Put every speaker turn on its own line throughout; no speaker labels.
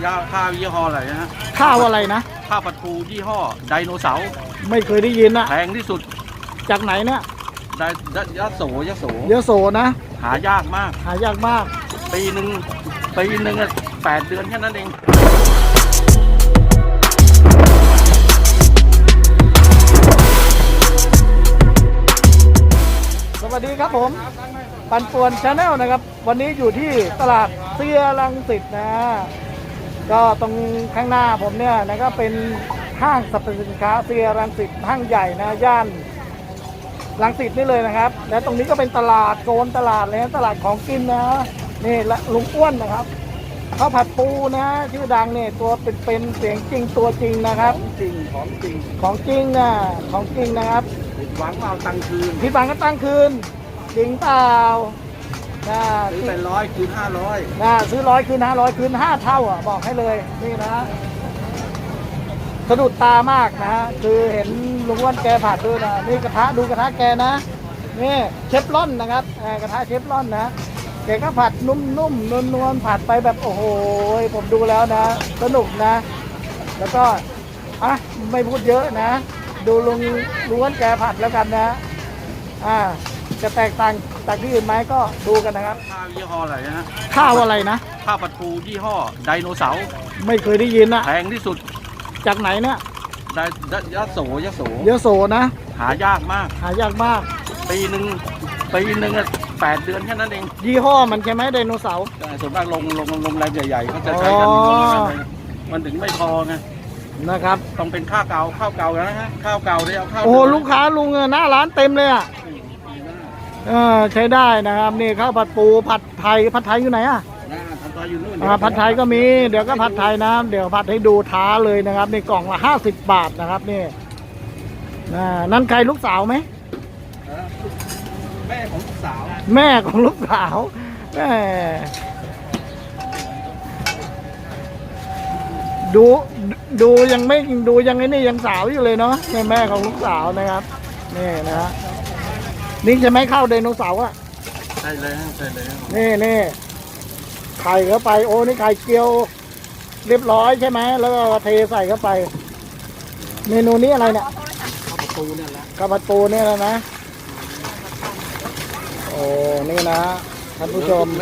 ข้าวยี่ห้ออะไรนะฮะ
ข้าวอะไรนะ
ข้าวผัดปูยี่ห้อไดโนเสาร์
ไม่เคยได้ยินนะ
แพงที่สุด
จากไหนเนี่ย
ยะโส
นะ
หายากมากปีหนึ่ง8 เดือนแค่นั้นเอง
สวัสดีครับผมปันป่วนชาแนลนะครับวันนี้อยู่ที่ตลาดเซียรังสิตนะก็ตรงข้างหน้าผมเนี่ยนะก็เป็นห้างสรรพสินค้าเซียรังสิตห้างใหญ่นะย่านรังสิตนี่เลยนะครับและตรงนี้ก็เป็นตลาดโซนตลาดเลยนะตลาดของกินนะนี่และลุงอ้วนนะครับข้าวผัดปูนะชื่อดังเนี่ยตัวเป็นเสียงจริงตัวจริงนะครับของจริงนะครับ
ผิดหวังเอาตังคืน
ผิดหวังก็ตั้งคืนจริงเปล่า
ซื้อไป100คืน500
ซื้อ100คืน500คืน5เท่าอ่ะบอกให้เลยนี่นะสะดุดตามากนะคือเห็นลุงอ้วนแกผัดด้วยนะนี่กระทะดูกระทะแกนะนี่เชฟร่อนนะครับกระทะเชฟร่อนนะแกก็ผัดนุ่มๆนวลๆผัดไปแบบโอ้โหผมดูแล้วนะสนุกนะแล้วก็ไม่พูดเยอะนะดูลุงอ้วนแกผัดแล้วกันนะจะแตกต่างจากที่อื่นไหมก็ดูกันนะครับ
ข้าวยี่ห้ออะไรนะฮะ
ข้าวอะไรนะ
ข้าวผัดปูยี่ห้อไดโนเสาร์
ไม่เคยได้ยินนะ
แพงที่สุด
จากไหนเนี่ย
ยะโส
นะ
หายากมากปีหนึ่ง8 เดือนแค่นั้นเอง
ยี่ห้อมันใช่ไหมไดโนเสาร์
ส่วนมากลงแรมใหญ่ๆเขาจะใช้กันมันถึงไม่พอไง
นะครับ
ต้องเป็นข้าวเก่านะฮะข้าวเก่าได้เอาข้าว
โอ้ลูกค้าลุงหน้าร้านเต็มเลยอ่ะใช้ได้นะครับนี่ข้าวผัดปูผัดไทยอยู่ไหนอ่ะผัดไทยก็มีเดี๋ยวก็ผัดไทยนะเดี๋ยวผัดให้ดูท้าเลยนะครับในกล่องละ50 บาทนะครับนี่นั่นใครลูกสาวไหม
แม่ของลูกสาว
แดูยังไม่ดูยังไงนี่ยังสาวอยู่เลยเนาะแม่ของลูกสาวนะครับนี่นะฮะนี่จะไม่เข้าไดโนเสาร์อ่ะ
ใช่เลย
นี่ไข่เข้าไปโอ้นี่ไข่เจียวเรียบร้อยใช่ไหมแล้วก็เทใส่เข้าไปเมนูนี้อะไรเนี่ย
ข้าวผัดปูเนี่ยแหละ
นะโอ้นี่นะท่านผู้ชม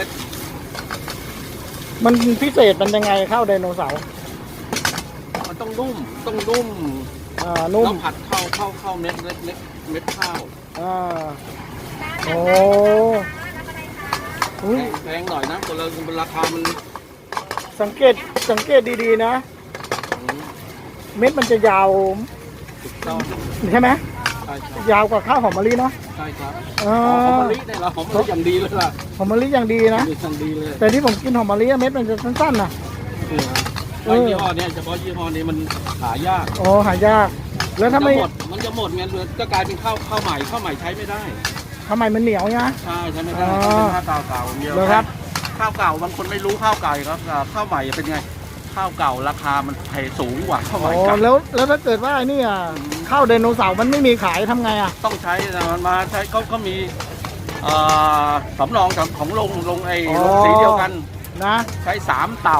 มันพิเศษมันยังไงข้าวไดโนเสาร์
มันต้องนุ่มนุ่มผัดเข้าเม็ดข้าว
โอ้
แพงหน่อยนะตัวราคามัน
สังเกตดีๆนะเม็ดมันจะยาวใช่ไหมยาวกว่าข้าวหอมมะลิเนาะ
ใช่ครับหอมมะลิเนี่ยเราหอมมะลิอย่างดีเลยล่ะ
หอมมะลิอย่างดีนะแต่ที่ผมกินหอมมะลิเม็ดมันจะสั้นๆนะ
ยี่ห้อนี้เฉพาะยี่ห้อนี้มันหายาก
หายากแล้วถ้าไม่
มันจะหมดไงก็กลายเป็นข้าวใหม่ใช้ไม่ได้
ข้าวใหม่มันเหนียวนะ
ใช่ใช้ไม่ได้เป็นข้าวเก่าเดียว
ครับ
ข้าวเก่าบางคนไม่รู้ข้าวเก่าครับข้าวใหม่เป็นไงข้าวเก่าราคามันแพงสูงกว่าข้าวใหม่
แล้วถ้าเกิดว่านี่ข้าวไดโนเสาร์มันไม่มีขายทำไง
ต้องใช้มันมาใช้ก็มีสำรองของลงสีเดียวกัน
นะ
ใช้3 เต่า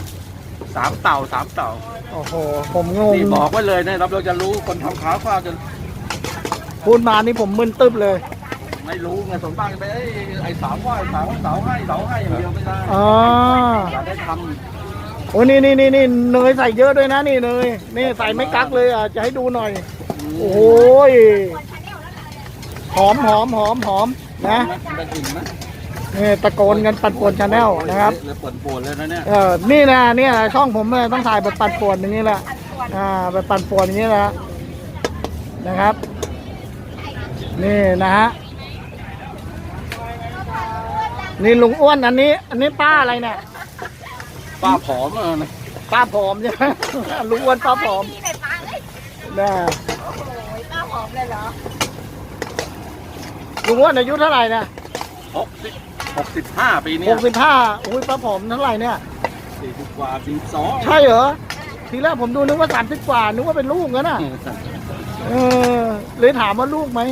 โอ้โหผมงง
นี่บอกไว้เลยนะเราจะรู้คนทำข้าวจะ
พูดมานี่ผมมึนตึ๊บเลย
ไม่รู้ไงส่วนมากไปไอ้เสาให้อย่างเดียวไม่ได้อยากได้ทำ
โอ้นี่เนยใส่เยอะด้วยนะนี่เนยนี่ใส่ไม่กักเลยจะให้ดูหน่อยโอ้ยหอมนะนี่ตะโกนกันปั่นป่วนชาแนลนะครับ
ปั่นป่วนเลยนะเนี่ย
นี่ช่องผมต้องถ่ายแบบปั่นป่วนอย่างนี้แหละแบบปั่นป่วนอย่างนี้แหละนะครับนี่นะฮะนี่ลุงอ้วนอันนี้ป้าอะไรเนี่ย
ป้าผอม
ป้าผอมใช่ไหมลุงอ้วนป้าผอม
ป้าผอมเลยเหรอ
ลุงอ้วนอายุเท่าไหร่เนี่ย
65 ปีนี้
65อุ้ยป้าผอมเท่าไหร่เนี่ย
40 กว่า42
ใช่เหรอทีแรกผมดูนึกว่า30 กว่านึกว่าเป็นลูกงั้นน่ะเลยถามว่าลูกไหม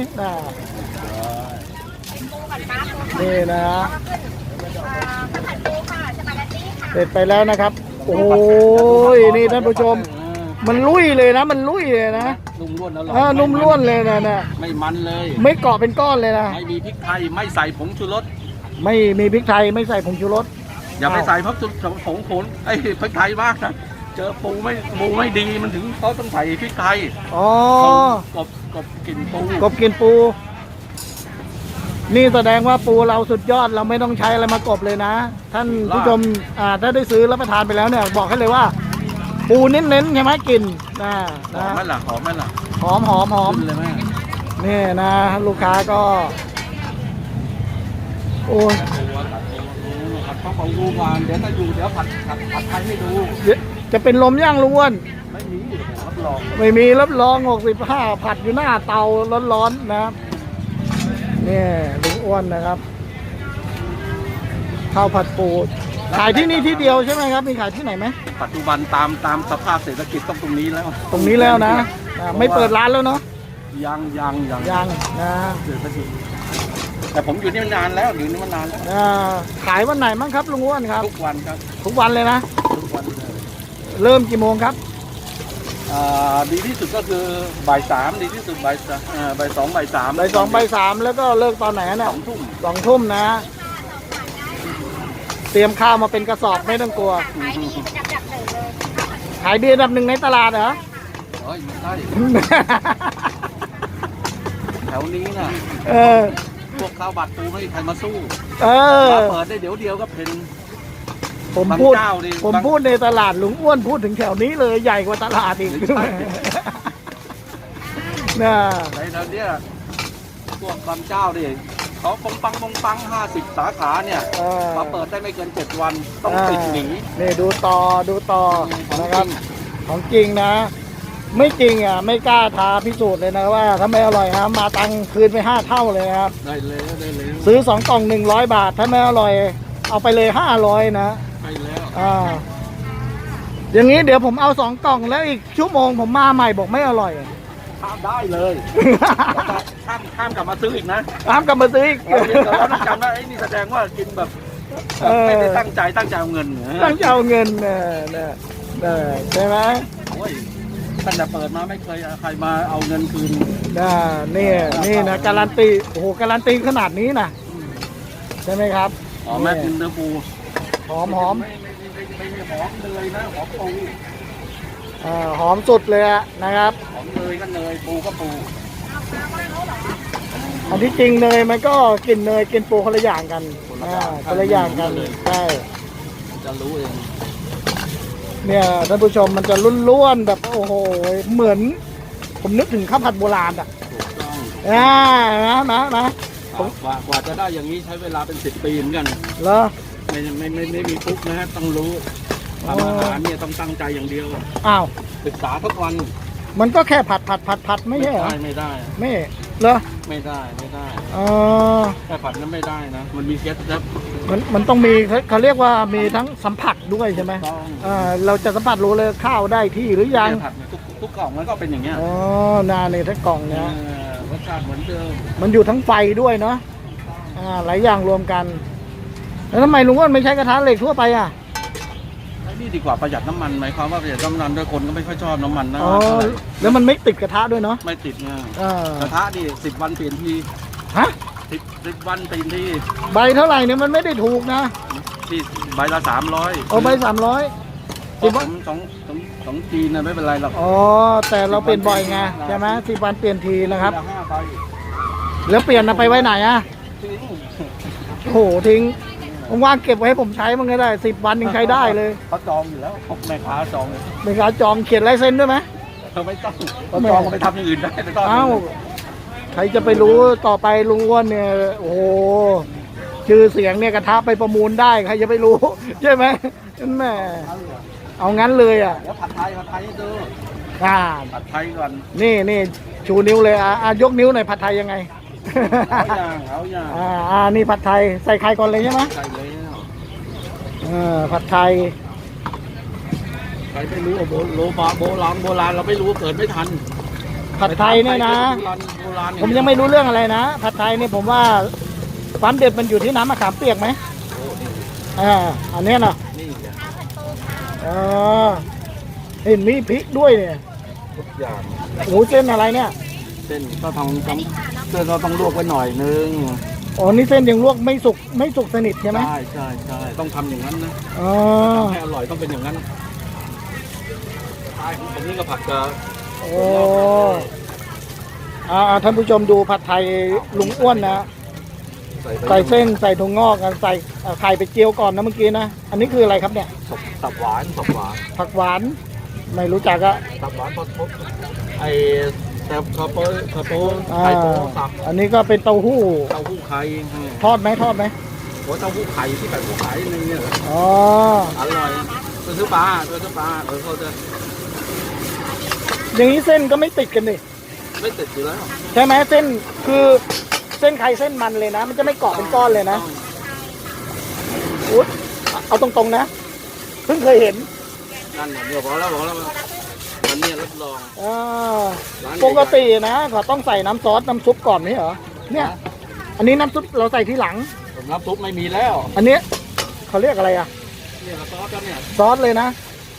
นี่นะเสร็จไปแล้วนะครับโอ้ยนี่ท่านผู้ชม มันลุยเลยนะ มันลุยเลยนะ
นุ่มล้วนอร่อย
นุ่มล้วนเลยนะเนี่ย
ไม่มันเลย
ไม่เกาะเป็นก้อนเลยนะ
ไม่มีพริกไทยไม่ใส่ผงชูรส
ไม่มีพริกไทยไม่ใส่ผงชูรส
อย่าไปใส่ผงผงไอ้พริกไทยมากนะเจอปูไม่ดีมันถึงเขาต้องใส่พริกไทย
อ๋อ
กบกลิ่นปู
กบกินปู นี่แสดงว่าปูเราสุดยอดเราไม่ต้องใช้อะไรมากบเลยนะ ท่านผู้ชมถ้าได้ซื้อรับประทานไปแล้วเนี่ยบอกให้เลยว่า ปูเน้นๆใช่ไหมกินนะ
หอมไหมล่ะหอมไหมล่ะ
หอมหอมหอม
ขึ้นเลยแม่
นี่นะ ลูกค้าก็ โอ้ย
ผัดข้าวเปล่าดูก่อนเดี๋ยวถ้าอยู่เดี๋ยวผัดไทยให้ดู
จะเป็นลมย่างลุงอ้วน
ไม่มีรับรอง
ไม่มีรับรอง65ผัดอยู่หน้าเตาร้อนๆนะครับนี่ลุงอ้วนนะครับข้าวผัดปูขายที่นี่ที่เดียวใช่ไหมครับมีขายที่ไหนไหม
ปัจจุบันตามสภาพเศรษฐกิจต้องตรงนี้แล้ว
ตรงนี้แล้วนะไม่เปิดร้านแล้วเนาะ
ยัง
ยังนะ
เศรษฐกิจแต่ผมอยู่นี่มานานแล้วอยู่นี่มานานแล้ว
ขายวันไหนมั้งครับลุงอ้วนครับ
ทุกวันครับ
ทุกวันเลยนะ
ทุกวันเลย
เริ่มกี่โมงครับ
ดีที่สุดก็คือบ่าย 3ดีที่สุดบ่าย 2บ่าย 3
บ่าย 2บ่าย 3แล้วก็เลิกตอนไหนเนี่ย
2 ทุ่ม
2 ทุ่มนะ เตรียมข้าวมาเป็นกระสอบไม่ต้องกลัว ขายดีอันดับหนึ่งในตลาดเหรอ
เฮ้ยไม่ใช่แถวนี้น่ะ
เออ
พวกข้าวบัตรปูไม่มีใครมาสู้
เออ
มาเปิดได้เดี๋ยวเดียวก็เป็น
ผมพูด
บางเจ้าดิ
ผมพูดในตลาดลุงอ้วนพูดถึงแถวนี้เลยใหญ่กว่าตลาดอีก
ใช่
น่ะ
ในแถวเนี้ยพวกบางเจ้าดิเขาปงปัง50 สาขาเนี่ย
เออ
มาเปิดได้ไม่เกิน 7 วันต้องปิดหนี
นี่ดูต่อ
ของ
นะครับ
จริง
ของจริงนะ ไม่จริงอ่ะไม่กล้าท้าพิสูจน์เลยนะว่าถ้าไม่อร่อยนะมาตังค์คืนไป5 เท่าเลยนะครับ
ได้เลยได้เลย
ซื้อ2 กล่อง100 บาท ถ้าไม่อร่อย เอาไปเลย500นะ
ไปแล้ว
อย่างนี้เดี๋ยวผมเอา2 กล่องแล้วอีกชั่วโมงผมมาใหม่บอกไม่อร่อย
ข้ามได้เลย ข้ามกลับมาซื้ออีกนะ
ห้ามกลับมาซื้ออีก
เราต้องจำว่าไอ้นี่แสดงว่ากินแบบไม่ได้ตั้งใจเอาเงิน
ตั้งใจเอาเงินใช่ไหม
โอ้ยตั้งแต่เปิดมาไม่เคยใครมาเอาเงินคืน
นี่นะการันตีโอ้โหการันตีขนาดนี้นะใช่ไหมครับ
อ๋อแม่กินเนื้อปู
หอม
ไม่หอมเลยนะหอมปู
หอมสุดเลยอะนะครับ
หอมเนยก็เนยปูก็ปู
อันที่จริงเนยมันก็กินเนยกินปูคนละอย่างกันคนละอย่างกันใช่
จะรู้เอง
เนี่ยท่านผู้ชมมันจะล้วนๆแบบโอ้โหเหมือน ผมนึกถึงข้าวผัดโบราณอ่ะ
ถูกต้อง
นะ
กว่าจะได้อย่างนี้ใช้เวลาเป็น10 ปีเหมือนกัน
เหรอ
ไม่มีปุ๊บนะฮะต้องรู้ทำอาหารเนี่ยต้องตั้งใจอย่างเดียว
อ้าว
ศึกษาทุกวัน
มันก็แค่ผัดไม่ใช่เหรอ
ไม่ได้
ไม่เหรอ
ไม่ได้
อ๋อ
แค่ผัดนั้นไม่ได้นะมันมีเคล็ดลับ
มันต้องมีเขาเรียกว่ามีทั้งสัมผัสด้วยใช่ไหม
ต้อง
เราจะสัมผัสรู้เลยข้าวได้ที่หรือยัง
ผัดทุกกล่องมันก็เป็นอย่างเงี้ย
อ๋อนาในทั้งกล่องเนี่ย
รสชาติเหมือนเดิม
มันอยู่ทั้งไฟด้วยเนาะหลายอย่างรวมกัน แล้วทำไมลุงอ้วนไม่ใช้กระทะเหล็กทั่วไปอ่ะ
ไอ้นี่ดีกว่าประหยัดน้ำมันหมายความว่าประหยัดน้ำมันด้วยคนก็ไม่ค่อยชอบน้ำมันนะ
อ๋อแล้วมันไม่ติดกระทะด้วยเนาะ
ไม่ติดไง
อ่าก
ระทะนี่10 วันเปลี่ยนที
ฮะ
10 วันเปลี่ยนที
ใบเท่าไหร่เนี่ยมันไม่ได้ถูกนะ
ที่ใบละ300
เอาใบ300
เพราะผมสองจีนนะไม่เป็นไรหรอก
อ๋อแต่เราเปลี่ยนบ่อยไงใช่ไหม10 วันเปลี่ยนทีนะครับ
ทีละ5 ใบ
แล้วเปลี่ยนเอาไปไว้ไหนอ่ะ
ทิ้ง
โอ้โหทิ้งว่างๆเก็บไว้ให้ผมใช้มันก็ได้10 วันยังใช้ได้เลย
เขาจองอยู่แล้วแม่ค้าจอง
เป็นการจองเขียนลายเซ็นด้วยไหม
เขาไม่ต้องเขาจองก็ไปทำอย่างอื่นได้ไม่ต้อง
เอ้าใครจะไปรู้ต่อไปลุงอ้วนเนี่ยโอ้โหชื่อเสียงเนี่ยกระทะไปประมูลได้ใครจะไปรู้ ใช่ไหมแม่เอางั้นเลยอ่ะ
เดี๋ยวผัดไทยให้ดู
อ่า
ผัดไทยก่อน
นี่ชูนิ้วเลยยกนิ้วหน่อยผัดไทยยังไง
เอาอย่าง
นี่ผัดไทยใส่ไข่ก่อนเลยใช่ไหม
ใส่เลย
ผัดไทย
ใครไม่รู้โบราณเราไม่รู้เกิดไม่ทัน
ผัดไทยเนี่ยนะ
โบราณ
ผมยังไม่รู้เรื่องอะไรนะผัดไทยเนี่ยผมว่าความเด็ดมันอยู่ที่น้ำมะขามเปียกไหมอันเนี้ยนะ
นี่
อ๋อเห็นมีพริกด้วยเนี่ย
ทุกอย่าง
โอ้เส้นอะไรเนี่ย
เส้นก็ต้องเส้นเราต้องลวกไว้หน่อยนึง
อ๋อนี่เส้นยังลวกไม่สุกสนิทใช่ไหม
ใช่ใช่ใช่ต้องทำอย่างนั้นนะ
อ๋อ
ให้อร่อยต้องเป็นอย่างนั้นใช่ผมนี่ก็ผัดกับ
โอ้ท่านผู้ชมดูผัดไทยลุงอ้วนนะใส่เส้นใส่ถั่วงอกใส่ไข่ไปเจียวก่อนนะเมื่อกี้นะอันนี้คืออะไรครับเนี่ย
ตับหวานตับหวาน
ผักหวานไม่รู้จักอะ
ตับหวานพอทบไอ้แต่คาโป้
อ่า
ไข่โป้สับ
อันนี้ก็เป็นเต้าหู้
เต้าหู้ไข่
ทอดไหม
หัวเต้าหู้ไข่ที่แบบหู้ไข่นึงเนี่ย
อ๋อ
อร่อยซื้อปลาเขาจะ
อย่างนี้เส้นก็ไม่ติดกันดิ
ไม่ติดอยู่แล้ว
ใช่ไหมเส้นคือเส้นใครเส้นมันเลยนะ มันจะไม่เกาะเป็นก้อนเลยนะอุ๊ยเอาตรงๆนะเพิ่งเคยเห็น
นั่นเดี๋ยวบอกแล้ววันนี้รับรอง
อ่า
ร้าน
ปกตินะเขาต้องใส่น้ำซอสน้ำซุปก่อนไหมเหรอเนี่ย อันนี้น้ำซุปเราใส่ทีหลัง
น้ำซุปไม่มีแล้ว
อันนี้เขาเรียกอะไรอะ
เนี่ยซอสก็เนี่ย
ซอสเลยนะ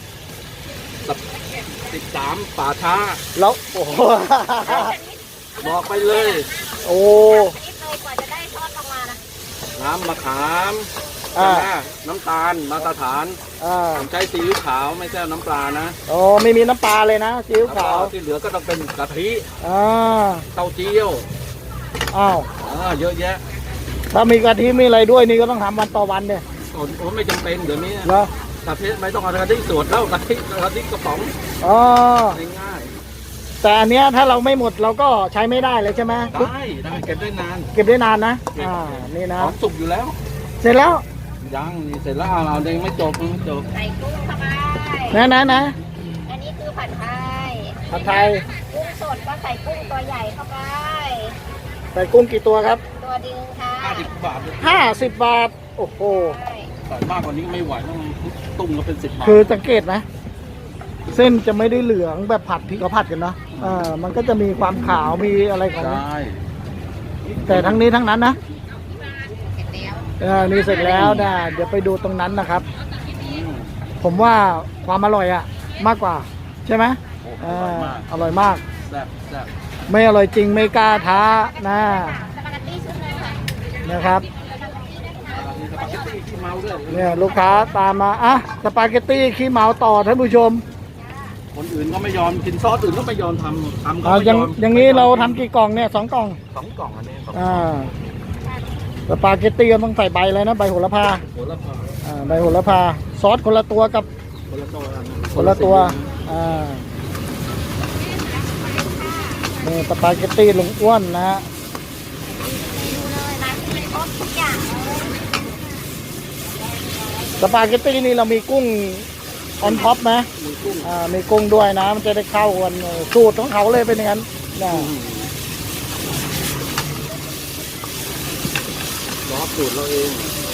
13ป่าช้า
แล้วโอ้โห
บอกไปเลย
โอ้
นิดเลยกว่าจะได้ทอดออกมานะ
น้ำมะขาม
อ่า
ใช่ไหมน้ำตาลมาตรฐาน ผมใช้ซีอิ๊วขาวไม่ใช่น้ำปลานะ
โอ้ไม่มีน้ำปลาเลยนะซีอิ๊วขาว
ที่เหลือก็ต้องเป็นกะทิ
อ่า
เต้าเจี้ยว
อ้าว
เยอะแยะ
ถ้ามีกะทิมีอะไรด้วยนี่ก็ต้องทำวันต่อวันเนี่ย
โอ้ไม่จำเป็นเดี๋ยวนี้
เหรอก
ะทิไม่ต้องเอากะทิสดแล้วกะทิกระป๋อง
อ๋อ
ง่าย
แต่อันเนี้ยถ้าเราไม่หมดเราก็ใช้ไม่ได้เลยใช่ไหม
ๆได้เก็บได้นาน
เก็บได้นานนะนี่นะ
หอมสุกอยู่แล้ว
เสร็จแล้ว
ยังนี่เสร็จแล้วเอาเองไม่จบ
ใส่กุ้งเข้าไป
นะ
อันนี้คือผัดไทย
ผัดไทย
กุ้งสดก็ใส่กุ้งตัวใหญ่เข้าไป
ใส่กุ้งกี่ตัวครับ
ตัวดึงค่ะ
50 บาทเลย
50 บาทโอ้โห
ใช่
ใส่มากกว่านี้ก็ไม่ไหวต้องตุ้มก็เป็น10 บาท
คือสังเกตไหมเส้นจะไม่ได้เหลืองแบบผัดที่เขาผัดกันเนาะมันก็จะมีความขาวมีอะไรของ
ใช่
แต่ทั้งนี้ทั้งนั้นนะ
เสร็จแล้ว
นี่เสร็จแล้วนะเดี๋ยวไปดูตรงนั้นนะครับ ผมว่าความอร่อยอะมากกว่าใช่ไหม
โอ้อร่อยมาก
อร่อยมาก
แซ่บ
ไม่อร่อยจริงไม่กล้าท้านะ
สปาเกตตี้ชุดหนึงค่ะ
นะครับ
มีสปาเกตตี้ที่เมาด้วย
เนี่ยลูกค้าตามมาอ่ะสปาเกตตี้ขี้เมาต่อท่านผู้ชม
คนอื่นก็ไม่ยอมกินซอสอื่นก็ไม่ยอมทำก็
อ่า
ไม่
อย่างอย่างนี้เราทำกี่กล่องเนี่ย2 กล่อง
2 กล่องอันนี้2
อ่าสปาเกตตี้ก็ต้องใส่ใบเลยนะใบโหระพา
หัวละพา
ใบโหระพาซอสคนละตัวกับ
คนละตัว
คนละตัวนี่สปาเกตตี้ลุงอ้วนนะฮะ
ดูเลยร้านที่มีครบทุกอย่างเลย
สปาเกตตี้นี่เรามีกุ้งออนท็อปไหม
มีกุ้ง
มีกุ้งด้วยนะมันจะได้เข้ากันสูตรของเขาเลยเป็นอย่างนั้นนะ
ซอสสูตรเราเอง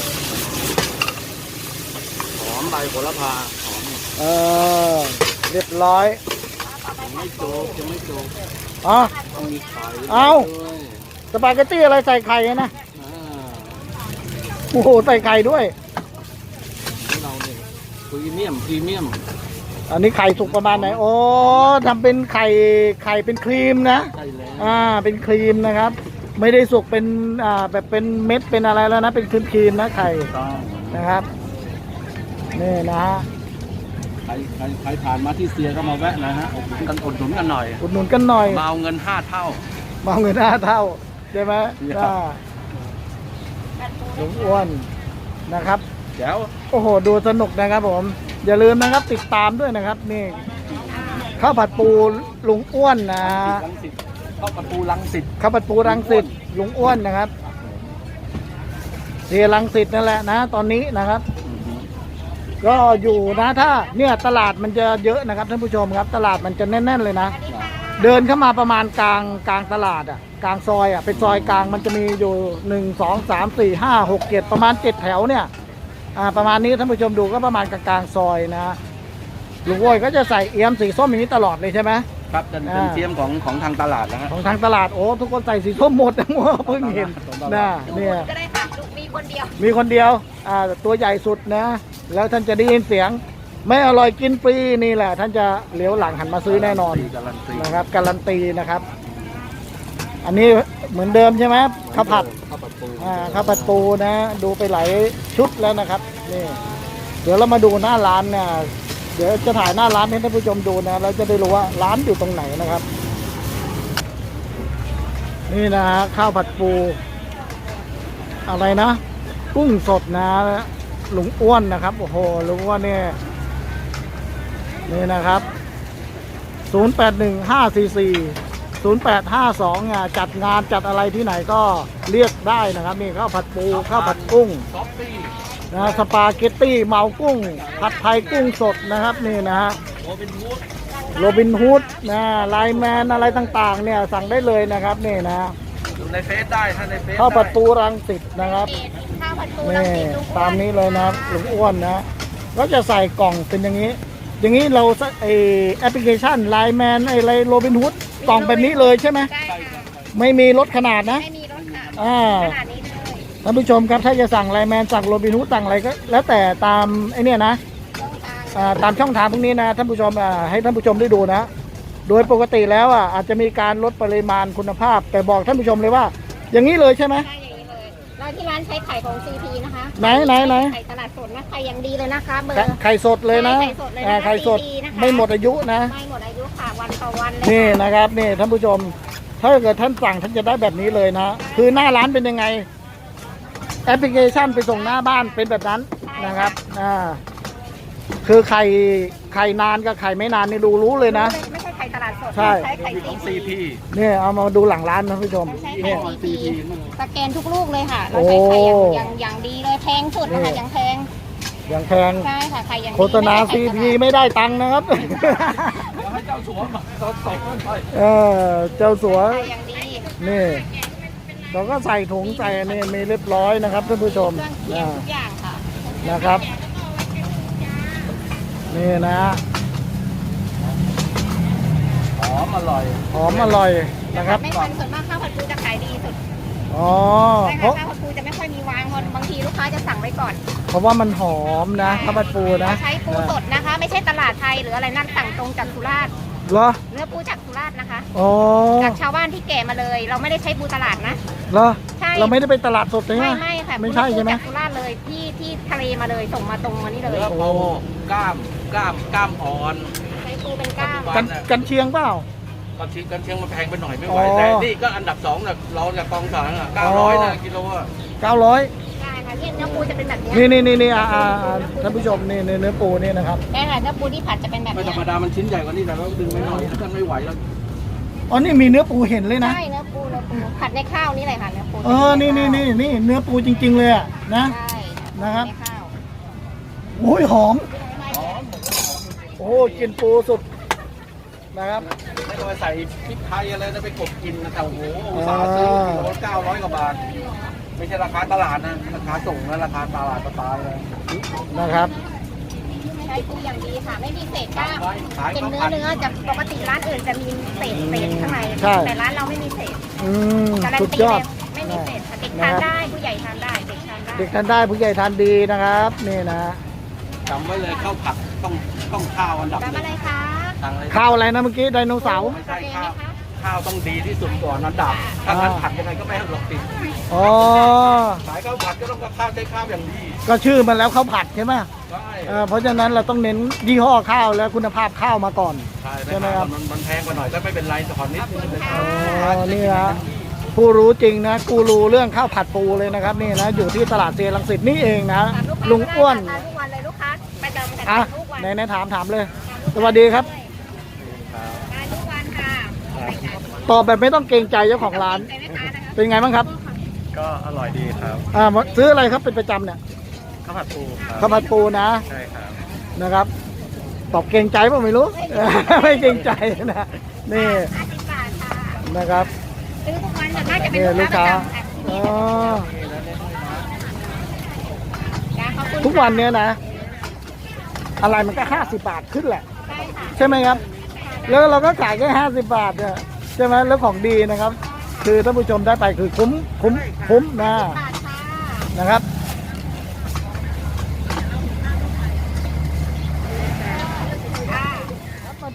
หอมใบโหระพาหอม
เรียบร้อย
ยังไม่จบ
อ๋อ
ต้องมีไข่
เอ้า
ด้วย
สปาเกตตี้อะไรใส่ไข่นะ
อ่า
โอ้โหใส่ไข่ด้วย
ของเราเนี่ยพรีเมียม
อันนี้ไข่สุกประมาณไหนโอ้ทำเป็นไข่เป็นครีมนะ
ใช่แล้ว
เป็นครีมนะครับ ไม่ได้สุกเป็นแบบเป็นเม็ดเป็นอะไรแล้วนะเป็นครีมนะไข่
ต้อง
นะครับนี่นะฮะ
ใครผ่านมาที่เซียก็มาแวะนะฮะอุดหนุนกันหน่อย
อุดหนุนกันหน่อย
มาเอาเงิน5 เท่า
มาเอาเงิน5 เท่าใช่ไหม
ครับ
ลุงอ้วนนะครับ
แจ๋ว
โอ้โหดูสนุกนะครับผมอย่าลืมนะครับติดตามด้วยนะครับนี่ข้าวผัดปูลุงอ้วนนะ
รังสิตข้าวผัดปูรังสิต
ข้าวผัดปูรังสิตลุงอ้วนนะครับเรียรังสิตนั่นแหละนะ ตอนนี้นะครับ ก็อยู่นะถ้าเนี่ยตลาดมันจะเยอะนะครับท่านผู้ชมครับ ตลาดมันจะแน่นๆเลยนะ เดินเข้ามาประมาณกลางตลาดอ่ะกลางซอยอ่ะเป็นซอยกลางมันจะมีอยู่1 2 3 4 5 6 7ประมาณ7 แถวเนี่ยประมาณนี้ท่านผู้ชมดูก็ประมาณกลางซอยนะลุงอ้วนก็จะใส่เอี้ยมสีส้มอย่างนี้ตลอดเลยใช่ไหม
ครับเป็นเทียมของทางตลาดนะฮะ
ของทางตลาดโอ้ทุกคนใส่สีส้มหมดนะเพิ่งเห็นนะเนี่ย
ก็ได้ค่ะลูกมีคนเดียว
มีคนเดียวตัวใหญ่สุดนะ แล้วท่านจะได้ยินเสียงไม่อร่อยกินฟรีนี่แหละท่านจะเลี้ยวหลังหันมาซื้อแน่นอน
การันตี
นะครับการันตีนะครับ อันนี้เหมือนเดิมใช่ไหมข้าวผัด
ข้าวผัดปู
ข้าวผัดปูนะดูไปหลายชุดแล้วนะครับนี่เดี๋ยวเรามาดูหน้าร้านเนี่ยเดี๋ยวจะถ่ายหน้าร้านให้ท่านผู้ชมดูนะเราจะได้รู้ว่าร้านอยู่ตรงไหนนะครับ นี่นะฮะข้าวผัดปูอะไรนะ กุ้งสดนะลุงอ้วนนะครับโอ้โหลุงอ้วนเนี่ยนี่นะครับ0815440852จัดงานจัดอะไรที่ไหนก็เรียกได้นะครับนี่ข้าวผัดปูข้าวผัดกุ้ง
ซอฟตี้
นะสปาเกตตี้เมากุ้งผัดไทยกุ้งสดนะครับนี่นะฮะ
โรบินฮูด
โรบินฮูดนะไลน์แมนอะไรต่างๆเนี่ยสั่งได้เลยนะครับนี่นะ
อยู่ในเฟซได้ถ้าในเฟซ
ข้าวผัดปูรังสิตนะครับ
ข้าวผัดปูรัง
นี่
สิตลุงอ้วน
ตามนี้เลยนะครับลุงอ้วนนะก็จะใส่กล่องเป็นอย่างนี้ อย่างนี้เราไอแอปพลิเคชันไลน์แมนอะไรโรบินฮูดกล่องแบบนี้เลยใช่ไหม
ใช่ค่ะ
ไม่มีลดขนาดนะ
ไม่มีรถค่ะ
อ่า
ขนาดนี้เลย
ท่านผู้ชมครับถ้าจะสั่งไลน์แมนสั่งโรบินฮูดสั่งอะไรก็แล้วแต่ตามไอเนี่ยนะ
ต้องการ
ตามช่องทางพวกนี้นะท่านผู้ชมให้ท่านผู้ชมได้ดูนะ โดยปกติแล้วอาจจะมีการลดปริมาณคุณภาพ แต่บอกท่านผู้ชมเลยว่า อย่างนี้เลยใช่ไหม
ใช่อย่างนี้เลยเราที่ร้านใช้ไข่ของ CP นะคะ
ไหนไหน
ไข่ตลาดสดนะไข่อย่างดีเลยนะคะเบอร์
ไข่สดเลยนะ
ไข่สดเลยนะคะ
ไข่สด
CP นะคะ
ไม่หมดอายุนะ
ไม่หมดอายุค่ะวันต่อวันเลย
นี่
ค่ะ
นะครับนี่ท่านผู้ชม ถ้าเกิดท่านสั่งท่านจะได้แบบนี้เลยนะ คือหน้าร้านเป็นยังไงแอปพลิเคชันไปส่งหน้าบ้านเป็นแบบนั้นนะครับคือไข่นานกับไข่ไม่นานนี่รู้เลยนะ
ไม่ใช่ไข่ตลาดสด
ใช่
ใช้ไข่
ของ
CP
CP
นี่เอามาดูหลังร้านนะท่านผู้ชม
ใช้
นี่
ไข่ CP สแกนทุกลูกเลยค่ะ เรา
โอ้
ใช้ไข่อย่างดีเลยแพงสุดนะคะอย่างแพง
อย่างแพง
ใช่ค่ะไข่อย่างดี
โฆษณา
ไม่ใช่
ซี
ไข่ตลาด
พีไม่ได้ตังค์นะครับ
ให้เจ้าสัวมาสดๆไป
เจ้าสัว
ไข่อย่างดี
นี่เราก็ใส่ถุงใส่นี่มีเรียบร้อยนะครับท่านผู้ชม
เครื่องเคียงทุกอย่างค่ะ
นะครับ นี่นะ
หอมอร่อย
หอมอร่อยนะครับ
ไม่ทันส่วนมากข้าวผัดปูจะขายดีสุด
อ๋อ
ใช่
เพ
ค่ะ
ราะ
ข้าวผัดปูจะไม่ค่อยมีวางเพราะบางทีลูกค้าจะสั่งไว้ก่อน
เพราะว่ามันหอมนะข้าวผัดปูนะ
เราใช้ปูสดนะคะ ไม่ใช่ตลาดไทยหรืออะไรนั่นสั่งตรงจากสุราษฎร์
เหรอ
เนื้อปูจากสุราษฎร์นะคะ
อ๋อ
จากชาวบ้านที่แก่มาเลย เราไม่ได้ใช้ปูตลาดนะ
เหรอ
ใช่
เราไม่ได้ไปตลาดสดใช่ไหม
ไม่ค่ะ
ไม่ใช่ใช่ไหม
ปูจากสุราษฎร์เลยที่ทะเลมาเลยส่งมาตรงมานี่เลย
เนื้อปูกล้ามอ่อน
ใช้ปูเป็นกล้าม
กันเชียงเปล่า
กันเชียงมันแพงไปหน่อยไม่ไหว
อ๋อ
แต่นี่ก็อันดับ2นะเราจากกองสาร900นะกิโลอ่ะ
900
ใช่ค่ะเนี่ยเนื้อปูจะเป็นแบบเนี้ย
นี่ท่านผู้ชมนี่เนื้อปูนี่นะครับ
ใช่ค่ะเนื้อปูที่ผัดจะเป็นแบบ
ไม่
เนี้
ธร
ย
รมดามันชิ้นใหญ่กว่านี้แต่เราดึงไม่หน่อยท่านไม่ไหวแล้ว
อ๋อนี่มีเนื้อปูเห็นเลยนะ
ใช่เนื้อปูผัดในข้าวนี่เลยค่ะเนื้อปู
นี่เนื้อปูจริง ๆ เลยอะนะ
ใช่
นะครับ
ในข้าว
โอ้ยหอม โอ้กินปูสุดนะครับ
ไม่ต้องไปใส่พริกไทยอะไรนะไปกบกินนะแต่โอ้โหอุตส่าห์ซื้อกิโล900กว่าบาท ไม่ใช่ราคาตลาดนะราคาส่งนะราคาตลาดตายเลย
นะครับ
ใช้ปูอย่างดีค่ะ ไม่มีเศษกล้ามเป็นเนื้อจะปกติร้านอื่นจะมีเศษข้างใน
ใช่
แต่ร้านเราไม่มีเศษ การัน
สุด
ตี
ยอ
เล
ด
ยไม่มีเศษค่ะเด็กทานได้ผู้ใหญ่ทานได้เด็กทานได้
เด็กทานได้ผู้ใหญ่ทานดีนะครับนี่นะ
จำไว้เลยข้าวผัดต้องข้าวอันดับ
จำ
หนึ่
อะ
ง
ไรคะ
สั่งเลย
ข้าวอะไรนะเมื่อกี้ไดโนเสาร์
ไม่ใช่ข้าวต้องดีที่สุดก่อนอันดับถ้างั้นผัดยังไงก็ไม่ให้หลบติด
อ๋อ
สายข้าวผัดก็ต้องกับข้าวใช้ข้าวอย่างดี
ก็ชื่อมันแล้วข้าวผัดใช่ไหม
ใช่
เพราะฉะนั้นเราต้องเน้นยี่ห้อข้าวและคุณภาพข้าวมาก่อน
ใช่
ใช่ไหมครับ
มันแพงกว่าหน่อยก็ไม่เป็นไรแต่ขอนิดนึงเลย
นี่นะผู้รู้จริงนะกูรู้เรื่องข้าวผัดปูเลยนะครับนี่นะอยู่ที่ตลาดเซียรังสิตนี่เองนะลุงอ้วน
ทานทุกวันเลยลูกค้าประจำกัน
อ่ะ
ทุกวัน
ไหนถามเลย สวัสดีครับ
ทานทุกวันค่ะ
ตอบแบบไม่ต้องเกรงใจเจ้าของร้าน
ใจไหมคะนะคะ
เป็นไงบ้างครับ
ก็อร่อยดีครับ
ซื้ออะไรครับเป็นประจำเนี่ย
ข้าวผัดปูครับ
ข้าวผัดปูนะ
ใช่ครับ
นะครับ ตอบเกรงใจเปล่าไม่รู้ ไม่เกรงใจนะนี่
50 บาทค่ะ
นะครับ
ซื้อทุกวันส่วนมากจะเป็น
นี่
ลู
ลู
ก
ก
ค้า
ค้า
ประจำค่ะ
อ๋อ
จ้ะขอบคุณ
ทุกวันเนี้ยนะ อะไรมันก็50 บาทขึ้นแหละ
ใช่ค่ะ
ใช่ไหมครับ แล้วเราก็ขายแค่50 บาทเนี่ยใช่ไหมแล้วของดีนะครับ คือท่านผู้ชมได้ไปคือคุ้มนะ
บาทค่ะ
นะครับ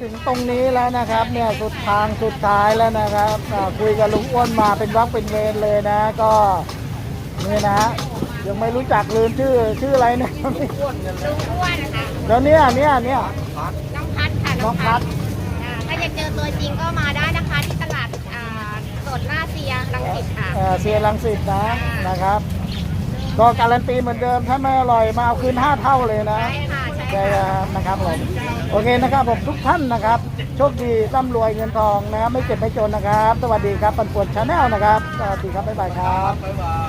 ถึงตรงนี้แล้วนะครับเนี่ยสุดทางสุดท้ายแล้วนะครับคุยกับลุงอ้วนมาเป็นวักเป็นเวรเลยนะก็นี่นะยังไม่รู้จักลืมชื่ออะไรเนี่ย
ลุงอ้วนนะคะ
แล้วเนี่ย
น้องพัดค่ะ
น้องพัด
ถ้าอยากเจอตัวจริงก็มาได้นะคะที่ตลาดสดหน้าเซียรังสิตค่ะ
เสียรังสิตนะครับ ก็การันตีเหมือนเดิมถ้าไม่อร่อยมาเอาคืน5 เท่าเลยนะ
ใช่ค่ะใช่
ใช่
ค่ะ
นะครับผมโอเคนะครับผมทุกท่านนะครับโชคดีร่ำรวยเงินทองนะครับไม่เจ็บไม่จนนะครับ สวัสดีครับปันป่วนชาแนลนะครับสวัสดีครับบ๊ายบายครับ
บ๊ายบาย